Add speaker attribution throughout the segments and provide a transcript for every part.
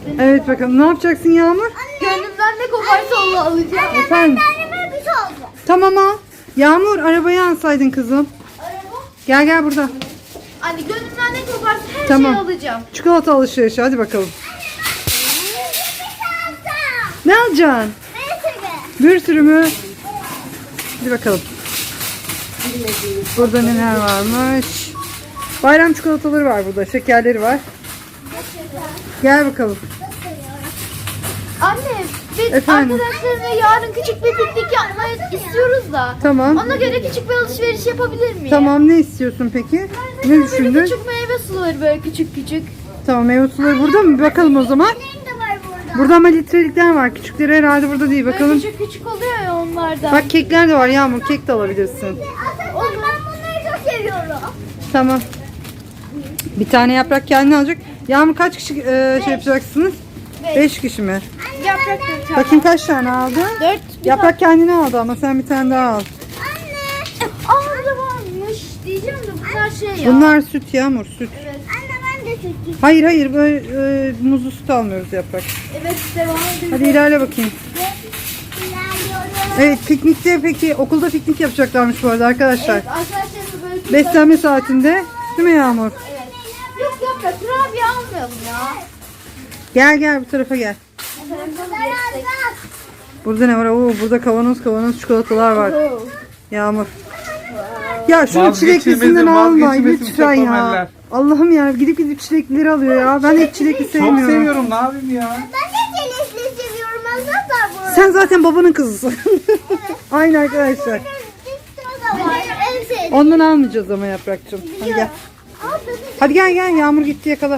Speaker 1: göstereyim.
Speaker 2: Evet bakalım ne yapacaksın Yağmur?
Speaker 1: Gönlümden ne koparsa onu alacağım.
Speaker 2: Efendim?
Speaker 3: Bir şey oldu.
Speaker 2: Tamam al. Yağmur arabayı alsaydın kızım.
Speaker 1: Araba.
Speaker 2: Gel burada.
Speaker 1: Anne gönlümden ne koparsa her
Speaker 2: Tamam.
Speaker 1: şeyi alacağım.
Speaker 2: Çikolata alışverişi hadi bakalım. Ne alacaksın? Bir sürü mü? Hadi bakalım. Burada neler varmış? Bayram çikolataları var burada. Şekerleri var. Gel bakalım.
Speaker 1: Anne biz
Speaker 2: Efendim?
Speaker 1: arkadaşlarımla yarın küçük bir piknik yapmayı istiyoruz da.
Speaker 2: Tamam.
Speaker 1: Ona göre küçük bir alışveriş yapabilir miyim?
Speaker 2: Tamam ne istiyorsun peki? Ne
Speaker 1: Böyle
Speaker 2: düşündün?
Speaker 1: küçük meyve suları böyle küçük küçük.
Speaker 2: Tamam meyve suları burada mı? Bir bakalım o zaman. Burada ama litrelikler var. Küçükleri herhalde burada değil.
Speaker 1: Böyle
Speaker 2: Bakalım.
Speaker 1: küçük küçük oluyor ya onlardan.
Speaker 2: Bak kekler de var Yağmur. Kek de alabilirsin.
Speaker 3: Ben bunları çok seviyorum.
Speaker 2: Tamam. Bir tane yaprak kendine alacak. Yağmur kaç kişi şey yapacaksınız? 5 kişi mi?
Speaker 1: Yaprak dört.
Speaker 2: Bakayım kaç tane aldı?
Speaker 1: 4.
Speaker 2: Yaprak kendine aldı ama sen bir tane daha al.
Speaker 1: Burada varmış diyeceğim de bunlar şey ya.
Speaker 2: Bunlar süt Yağmur süt.
Speaker 1: Evet.
Speaker 3: Anne ben de süt
Speaker 2: Hayır böyle muzlu süt almıyoruz yaprak.
Speaker 1: Evet devam edelim.
Speaker 2: Hadi ilerle bakayım.
Speaker 3: ilerliyorum.
Speaker 2: Evet piknikte peki okulda piknik yapacaklarmış bu arada arkadaşlar.
Speaker 1: Evet, arkadaşlarımla böyle bir
Speaker 2: Beslenme saatinde değil mi Yağmur?
Speaker 1: Evet. Yok yaprak kurabiye almayalım ya.
Speaker 2: Gel bu tarafa gel. Burada ne var? Oo, burada kavanoz çikolatalar var. Yağmur. Ya şunu çileklisinden alma
Speaker 4: vazgeçilmezim
Speaker 2: lütfen ya.
Speaker 4: Sefameller.
Speaker 2: Allah'ım ya gidip çileklileri alıyor ya. Ben hep çilekli
Speaker 4: Çok
Speaker 2: sevmiyorum.
Speaker 4: seviyorum ne yapayım ya.
Speaker 3: Ben de çelişli seviyorum. Azat var
Speaker 2: Sen zaten babanın kızısın. Aynı arkadaşlar.
Speaker 3: burada var. En sevdiğim.
Speaker 2: Ondan almayacağız ama yaprakçım. Hadi gel. Hadi gel Yağmur gitti yakala.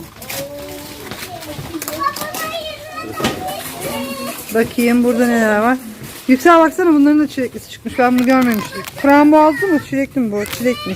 Speaker 2: Bakayım burada neler var. Yüksel baksana bunların da çileklisi çıkmış. Ben bunu görmemiştim. Frambuazlı mı? Çilekli mi bu? Çilekmiş.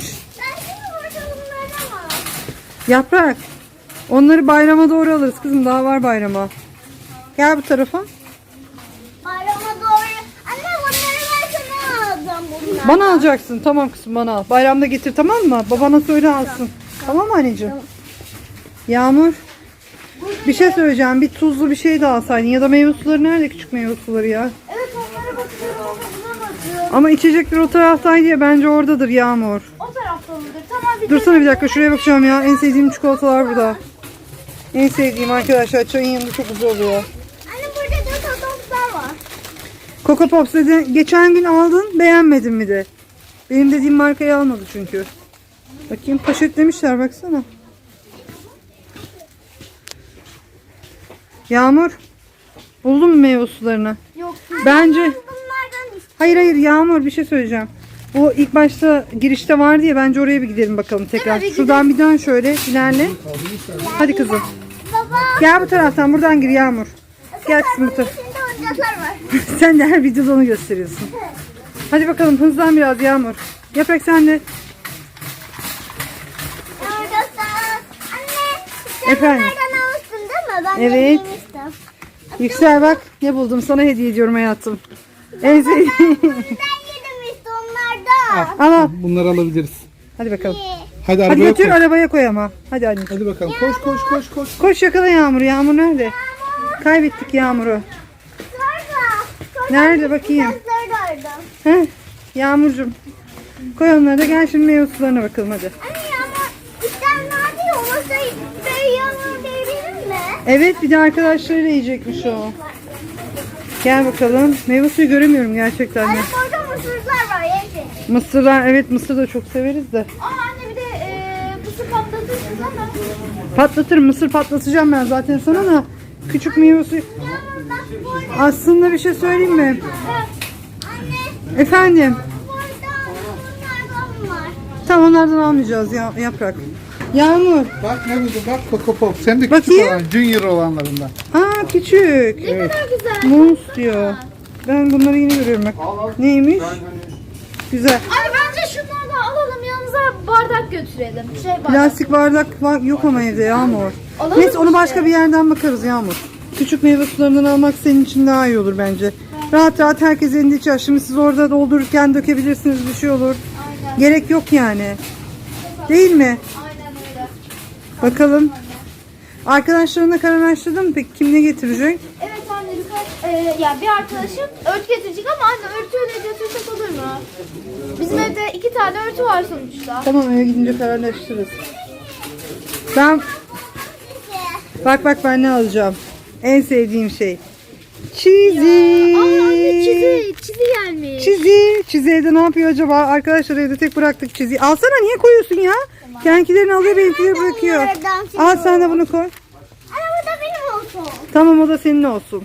Speaker 2: Yaprak. Onları bayrama doğru alırız kızım. Daha var bayrama. Gel bu tarafa.
Speaker 3: Bayrama doğru. Anne bunları ben sana alacağım bunlar.
Speaker 2: Bana alacaksın. Tamam kızım bana al. Bayramda getir tamam mı? Babana söyle alsın. Tamam mı anneciğim? Yağmur. Bir şey söyleyeceğim. Bir tuzlu bir şey de alsaydın. Ya da meyve suları nerede? Küçük meyve suları ya.
Speaker 1: Evet onlara bakıyorum ama bulamadım.
Speaker 2: Ama içecekler o taraftaydı ya. Bence oradadır Yağmur.
Speaker 1: O tarafta mıdır? Tamam bir
Speaker 2: Dursana bir dakika. Şuraya bakacağım ya. En sevdiğim çikolatalar burada. En sevdiğim arkadaşlar. Çayın yanında çok güzel oluyor.
Speaker 3: Anne burada da tatlılar var.
Speaker 2: Coco Pops dedi. Geçen gün aldın. Beğenmedin mi de. Benim dediğim markayı almadı çünkü. Bakayım poşetlemişler baksana. Yağmur. Buldun mu meyve sularını?
Speaker 1: Yok.
Speaker 2: Bence...
Speaker 3: Bunlardan istiyorum.
Speaker 2: Hayır Yağmur bir şey söyleyeceğim. Bu ilk başta girişte vardı ya bence oraya bir gidelim bakalım tekrar.
Speaker 1: Evet, bir
Speaker 2: Şuradan bir dön şöyle ilerle. Hadi kızım.
Speaker 3: Baba.
Speaker 2: Gel bu taraftan buradan gir Yağmur. Gel kızım bu tarafa.
Speaker 3: İçinde oyuncaklar var.
Speaker 2: Sen de her videoda onu gösteriyorsun. Hadi bakalım hızlan biraz Yağmur. Yaprak sen de.
Speaker 3: Oyuncaklar. Anne. Sen
Speaker 2: Efendim?
Speaker 3: bunlardan almıştın değil mi? Ben
Speaker 2: Evet.
Speaker 3: de yemiştim.
Speaker 2: Yüksel bak ne buldum sana hediye ediyorum hayatım. En sevdiğim.
Speaker 3: Ben yedim işte onlardan.
Speaker 2: Al.
Speaker 4: Bunları alabiliriz.
Speaker 2: Hadi bakalım.
Speaker 4: Hadi
Speaker 2: Hadi
Speaker 4: arabaya
Speaker 2: götür
Speaker 4: koy.
Speaker 2: arabaya koy ama. Hadi anne.
Speaker 4: Hadi bakalım koş.
Speaker 2: Koş yakala Yağmur'u. Yağmur nerede? Kaybettik Yağmur'u.
Speaker 3: Sonra.
Speaker 2: Nerede bakayım?
Speaker 3: Oyuncakları da aldım.
Speaker 2: Heh, Yağmurcuğum. Koy onları da gel şimdi meyve sularına bakalım hadi.
Speaker 3: Anne ama işten nerede ya? O masayı böyle yanına verelim mi?
Speaker 2: Evet bir de arkadaşlarıyla yiyecekmiş o. Gel bakalım. Meyve suyu göremiyorum gerçekten de.
Speaker 3: Anne orada mısırlar var yeşil.
Speaker 2: Mısırlar evet mısır da çok severiz de.
Speaker 1: Aa anne bir de pusu patlatırsın ama.
Speaker 2: Patlatırım mısır patlatacağım ben zaten sana da. Küçük meyve suyu.
Speaker 3: Yağmur bak burada.
Speaker 2: Aslında bir şey söyleyeyim mi?
Speaker 3: Anne
Speaker 2: Efendim.
Speaker 3: burada bunlardan var.
Speaker 2: Tamam onlardan almayacağız ya, yaprak. Yağmur.
Speaker 4: Bak ne buldum bak Coco Pop. Sen de küçük
Speaker 2: Bakayım.
Speaker 4: olan Junior olanlarından.
Speaker 2: Aa küçük.
Speaker 1: Ne kadar güzel.
Speaker 2: Muz diyor. Ben bunları yeni görüyorum bak. Neymiş? Güzel.
Speaker 1: Anne bence şunları da alalım yanımıza bardak götürelim. Bardak.
Speaker 2: Plastik bardak var, yok ama evde Yağmur.
Speaker 1: Alalım
Speaker 2: Neyse onu
Speaker 1: işte.
Speaker 2: başka bir yerden bakarız Yağmur. Küçük meyve sularından almak senin için daha iyi olur bence. Rahat rahat herkes elinde içer. Şimdi siz orada doldururken dökebilirsiniz bir şey olur.
Speaker 1: Aynen.
Speaker 2: Gerek yok yani. Değil mi?
Speaker 1: Aynen öyle.
Speaker 2: Bakalım. Arkadaşlarına kararlaştırdın mı peki? Kim ne getirecek?
Speaker 1: Evet anne ya bir arkadaşım örtü getirecek ama anne örtüyle götürsek olur mu? Bizim evde 2 tane örtü var sonuçta.
Speaker 2: Tamam, eve gidince kararlaştırırız. Ben bak ben ne alacağım. En sevdiğim şey. Çizi.
Speaker 1: Aa anne çizi gelmiş.
Speaker 2: Çizi evde ne yapıyor acaba? Arkadaşlar evde tek bıraktık Çizi'yi. Alsana, niye koyuyorsun ya? Kendilerini alıyor, benimkileri bırakıyor.
Speaker 3: Bunlardan
Speaker 2: Al sen de bunu koy.
Speaker 3: Ana bu da benim olsun.
Speaker 2: Tamam, o da senin olsun.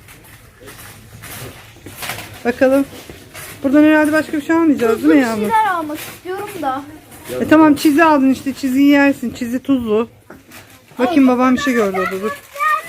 Speaker 2: Bakalım. Buradan herhalde başka bir şey almayacağız değil
Speaker 1: Tuzlu
Speaker 2: mi
Speaker 1: bir
Speaker 2: Yağmur?
Speaker 1: şeyler almak istiyorum da.
Speaker 2: Tamam, Çizi aldın işte. Çiziyi yersin. Çizi tuzlu. Bakayım, babam bir şey gördü orada, dur.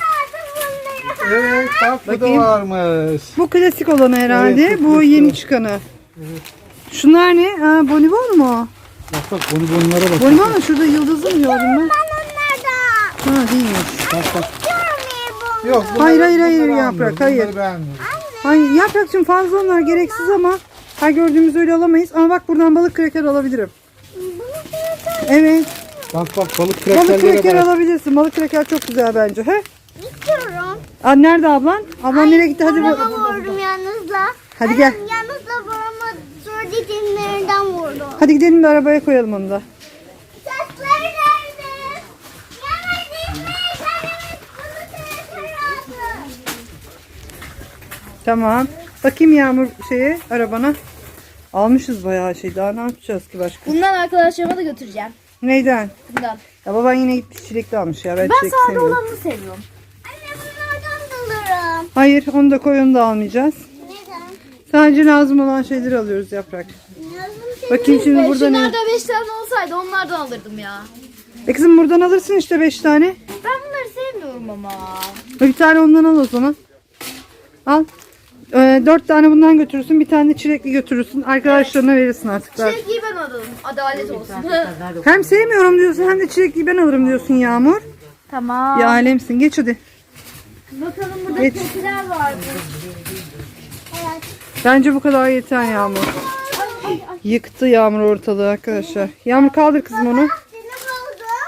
Speaker 4: Evet bak bu da
Speaker 2: Bakayım.
Speaker 4: varmış.
Speaker 2: Bu klasik olanı herhalde.
Speaker 4: Evet,
Speaker 2: bu yeni çıkanı. Şunlar ne? Ha, bonibon mu?
Speaker 4: Bak bonibonlara bak.
Speaker 2: Bonibon mu? Şurada yıldızı mı gördüm ben?
Speaker 3: Onlardan.
Speaker 2: Ha, değilmiş.
Speaker 4: Bak.
Speaker 3: Diyorum
Speaker 4: Yok.
Speaker 2: Hayır, hayır,
Speaker 4: bunları
Speaker 2: Yaprak,
Speaker 4: almıyorum,
Speaker 2: hayır.
Speaker 4: bunları beğenmiyorum.
Speaker 2: Hayır, Yaprakçığım, fazla onlar gereksiz ama her gördüğümüz öyle alamayız. Ama bak, buradan balık kraker alabilirim. Evet.
Speaker 4: Bak balık
Speaker 2: Balık
Speaker 4: krakerlere
Speaker 2: kraker
Speaker 4: bak.
Speaker 2: alabilirsin. Balık kraker çok güzel bence. He?
Speaker 3: İstiyorum.
Speaker 2: Aa, nerede ablan? Ablan nereye gitti? Hadi
Speaker 3: Babama
Speaker 2: bak.
Speaker 3: vurdum yalnızla.
Speaker 2: Hadi gel.
Speaker 3: Yalnızla babama zor dikenlerinden vurdum.
Speaker 2: Hadi gidelim de arabaya koyalım onu da.
Speaker 3: Saçları nerede? Yalnız gitme. Kendimiz bunu aldı.
Speaker 2: Tamam. Bakayım Yağmur arabana. Almışız bayağı şey. Daha ne yapacağız ki başka?
Speaker 1: Bundan arkadaşlarıma da götüreceğim.
Speaker 2: Neyden?
Speaker 1: Bundan.
Speaker 2: Ya baban yine gitmiş çilekli almış ya. Ben
Speaker 1: Ben
Speaker 2: çilek
Speaker 1: sade
Speaker 2: sevmiyorum.
Speaker 1: olanını seviyorum.
Speaker 3: Anne bunlardan alırım.
Speaker 2: Hayır, onu da koy, onu da almayacağız.
Speaker 3: Neden?
Speaker 2: Sadece lazım olan şeyleri alıyoruz Yaprak.
Speaker 3: Lazım
Speaker 2: Bakayım şimdi burada ne?
Speaker 1: Şunlarda 5 tane olsaydı onlardan alırdım ya.
Speaker 2: Kızım, buradan alırsın işte 5 tane.
Speaker 1: Ben bunları sevmiyorum ama.
Speaker 2: Bir tane ondan al o zaman. Al. 4 tane bundan götürürsün. Bir tane de çilekli götürürsün. Arkadaşlarına verirsin artık.
Speaker 1: Çilekliyi ben alırım. Adalet olsun.
Speaker 2: Hem sevmiyorum diyorsun hem de çilekliyi ben alırım diyorsun Yağmur.
Speaker 1: Tamam.
Speaker 2: Ya alemsin. Geç hadi.
Speaker 1: Bakalım burada
Speaker 2: Geç.
Speaker 1: keçiler vardı.
Speaker 2: Bence bu kadar yeter Yağmur. Yıktı Yağmur ortalığı arkadaşlar. Yağmur, kaldır kızım onu.
Speaker 3: Seni buldum.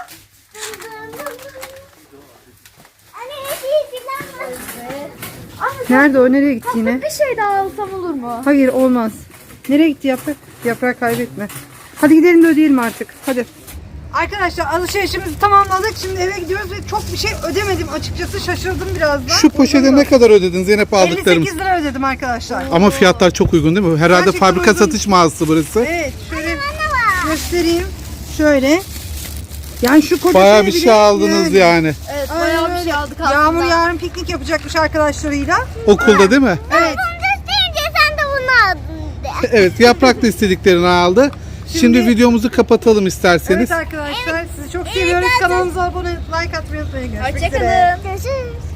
Speaker 3: Anne hediye falan var.
Speaker 2: Nerede o? Nereye gitti yine?
Speaker 1: Bir şey daha alsam olur mu?
Speaker 2: Hayır, olmaz. Nereye gitti Yaprak? Yaprak kaybetme. Hadi gidelim de ödeyelim artık. Hadi. Arkadaşlar, alışverişimizi tamamladık. Şimdi eve gidiyoruz ve çok bir şey ödemedim açıkçası. Şaşırdım biraz da.
Speaker 4: Şu poşete ne kadar ödedin Zeynep aldıklarım?
Speaker 2: 58 lira ödedim arkadaşlar.
Speaker 4: Ama fiyatlar çok uygun değil mi? Herhalde
Speaker 2: Gerçekten
Speaker 4: fabrika
Speaker 2: uygun.
Speaker 4: satış mağazası burası.
Speaker 2: Evet, şöyle göstereyim. Şöyle. Yani şu koca
Speaker 4: Bayağı
Speaker 2: şeyi
Speaker 4: bir
Speaker 2: bile
Speaker 4: şey aldınız yani.
Speaker 1: Evet
Speaker 2: Aynen
Speaker 1: bayağı bir
Speaker 2: öyle.
Speaker 1: şey aldık
Speaker 2: Yağmur
Speaker 1: aslında.
Speaker 2: yarın piknik yapacakmış arkadaşlarıyla.
Speaker 4: Okulda değil mi?
Speaker 2: Evet.
Speaker 3: Bunu gösterince sen de bunu aldın de.
Speaker 4: Evet, Yaprak da istediklerini aldı. Şimdi videomuzu kapatalım isterseniz.
Speaker 2: Evet arkadaşlar, sizi çok seviyoruz. Kanalımıza abone olup like atmayı unutmayın. Görüşmek üzere.
Speaker 1: Hoşçakalın.
Speaker 3: Görüşürüz.